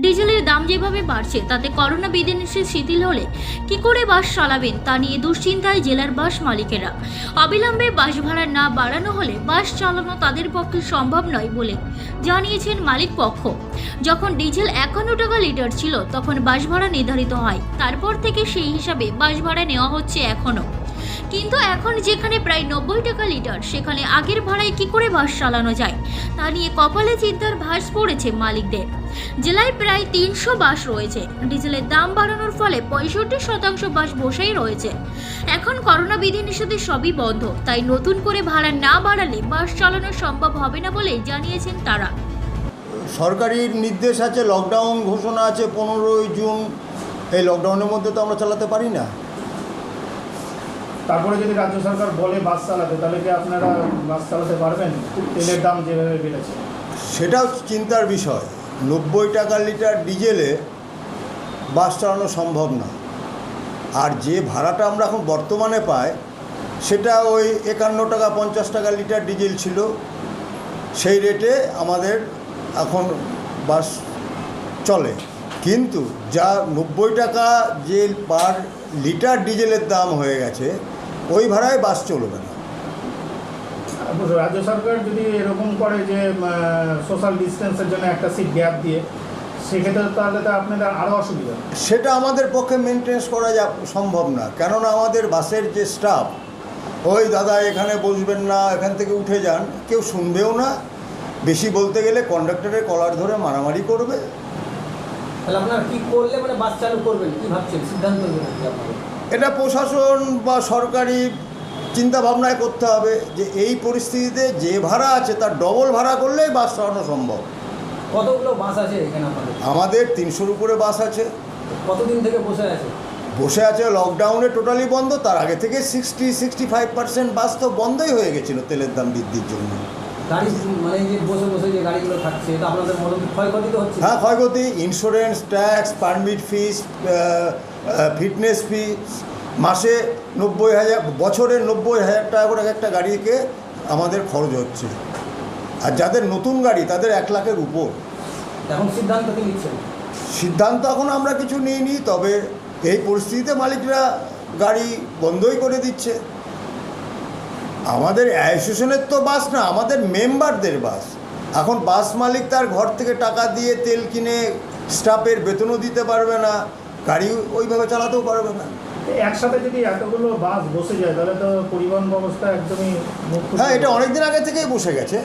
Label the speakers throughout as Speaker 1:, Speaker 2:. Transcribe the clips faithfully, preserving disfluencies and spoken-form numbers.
Speaker 1: ডিজেলের দাম যেভাবে বাড়ছে তাতে করোনা বিধিনিষেধ শিথিল হলে কি করে বাস চালাবেন তা নিয়ে দুশ্চিন্তায় জেলার বাস মালিকেরা। অবিলম্বে বাস ভাড়া না বাড়ানো হলে বাস চালানো তাদের পক্ষে সম্ভব নয় বলে জানিয়েছেন মালিক পক্ষ। যখন ডিজেল একান্ন টাকা লিটার ছিল তখন বাস ভাড়া নির্ধারিত হয়, তারপর থেকে সেই হিসাবে বাস ভাড়া নেওয়া হচ্ছে এখনও। কিন্তু এখন যেখানে প্রায় নব্বই টাকা লিটার সেখানে আগের ভাড়ায় কি করে বাস চালানো যায় তা নিয়ে কপালে চিন্তার ভাঁজ পড়েছে মালিকদের। জেলায় প্রায় তিনশো বাস রয়েছে। ডিজেলের দাম বাড়ানোর ফলে পঁয়ষট্টি শতাংশ বাস বসেই রয়েছে। এখন করোনা বিধিনিষেধে সবই বন্ধ, তাই নতুন করে ভাড়া না বাড়ালে বাস চালানো সম্ভব হবে না বলে জানিয়েছেন তারা।
Speaker 2: সরকারির নির্দেশ আছে, লকডাউন ঘোষণা আছে পনেরোই জুন। এই লকডাউনের মধ্যে তো আমরা চালাতে পারি না।
Speaker 3: তারপরে যদি রাজ্য সরকার বলে বাস চালাতে, তাহলে কি আপনারা বাস চালাতে পারবেন? তেলের দাম যেভাবে বেড়েছে,
Speaker 2: সেটাও চিন্তার বিষয়। নব্বই টাকা লিটার ডিজেলে বাস চালানো সম্ভব না। আর যে ভাড়াটা আমরা এখন বর্তমানে পাই সেটা ওই একান্ন টাকা পঞ্চাশ টাকা লিটার ডিজেল ছিল, সেই রেটে আমাদের এখন বাস চলে। কিন্তু যা নব্বই টাকা যে পার লিটার ডিজেলের দাম হয়ে গেছে, ওই ভাড়ায় বাস চলবে না।
Speaker 3: রাজ্য সরকার যদি এরকম করে যে সোশ্যাল ডিস্টেন্সের জন্য একটা সিট গ্যাপ দিয়ে, সেক্ষেত্রে তাহলে তো আপনাদের আরও অসুবিধা।
Speaker 2: সেটা আমাদের পক্ষে মেনটেন্স করা যা সম্ভব না, কেননা আমাদের বাসের যে স্টাফ, ওই দাদা এখানে বসবেন না, এখান থেকে উঠে যান, কেউ শুনবেও না। বেশি বলতে গেলে কন্ডাক্টরের কলার ধরে মারামারি করবে।
Speaker 4: তাহলে আপনারা কী করলে মানে বাস চালু করবেন, কী ভাবছেন, সিদ্ধান্ত নেবেন কি আপনারা?
Speaker 2: এটা প্রশাসন বা সরকারি চিন্তা ভাবনায় করতে হবে যে এই পরিস্থিতিতে যে ভাড়া আছে তার ডবল ভাড়া করলেই বাস চালানো সম্ভব।
Speaker 4: কতগুলো বাস আছে এখানে আপনাদের?
Speaker 2: আমাদের তিনশোর উপরে বাস আছে।
Speaker 4: কতদিন থেকে বসে আছে?
Speaker 2: বসে আছে লকডাউনে টোটালি বন্ধ, তার আগে থেকে sixty sixty five percent bus তো বন্ধই হয়ে গেছিলো তেলের দাম বৃদ্ধির জন্য।
Speaker 4: গাড়ি মানে যে বসে বসে যে গাড়িগুলো থাকছে, এটা আপনাদের মোটামুটি ক্ষয়ক্ষতি তো হচ্ছে?
Speaker 2: হ্যাঁ, ক্ষয়ক্ষতি। Insurance, tax, permit fees, fitness fee, মাসে নব্বই হাজার বছরে নব্বই হাজার টাকা করে একটা গাড়িকে আমাদের খরচ হচ্ছে। আর যাদের নতুন গাড়ি তাদের এক লাখের উপর।
Speaker 4: এখন সিদ্ধান্ত কি নিচ্ছেন?
Speaker 2: সিদ্ধান্ত এখন আমরা কিছু নিইনি, তবে এই পরিস্থিতিতে মালিকরা গাড়ি বন্ধই করে দিচ্ছে। আমাদের অ্যাসোসিয়েশনের তো বাস না, আমাদের মেম্বারদের বাস। এখন বাস মালিক তার ঘর থেকে টাকা দিয়ে তেল কিনে স্টাফের বেতনও দিতে পারবে না, গাড়ি ওইভাবে চালাতেও পারবে না।
Speaker 3: একসাথে যদি এতগুলো বাস বসে যায় তাহলে তো পরিবহন ব্যবস্থা একদমই।
Speaker 2: হ্যাঁ, এটা অনেকদিন আগে থেকেই বসে গেছে,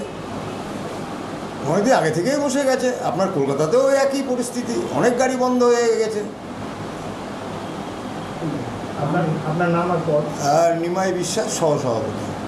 Speaker 2: অনেকদিন আগে থেকেই বসে গেছে। আপনার কলকাতাতেও একই পরিস্থিতি, অনেক গাড়ি বন্ধ হয়ে গেছে।
Speaker 3: আপনার আপনার নাম আর পদ?
Speaker 2: আর নিমাই বিশ্বাস, সহ সভাপতি।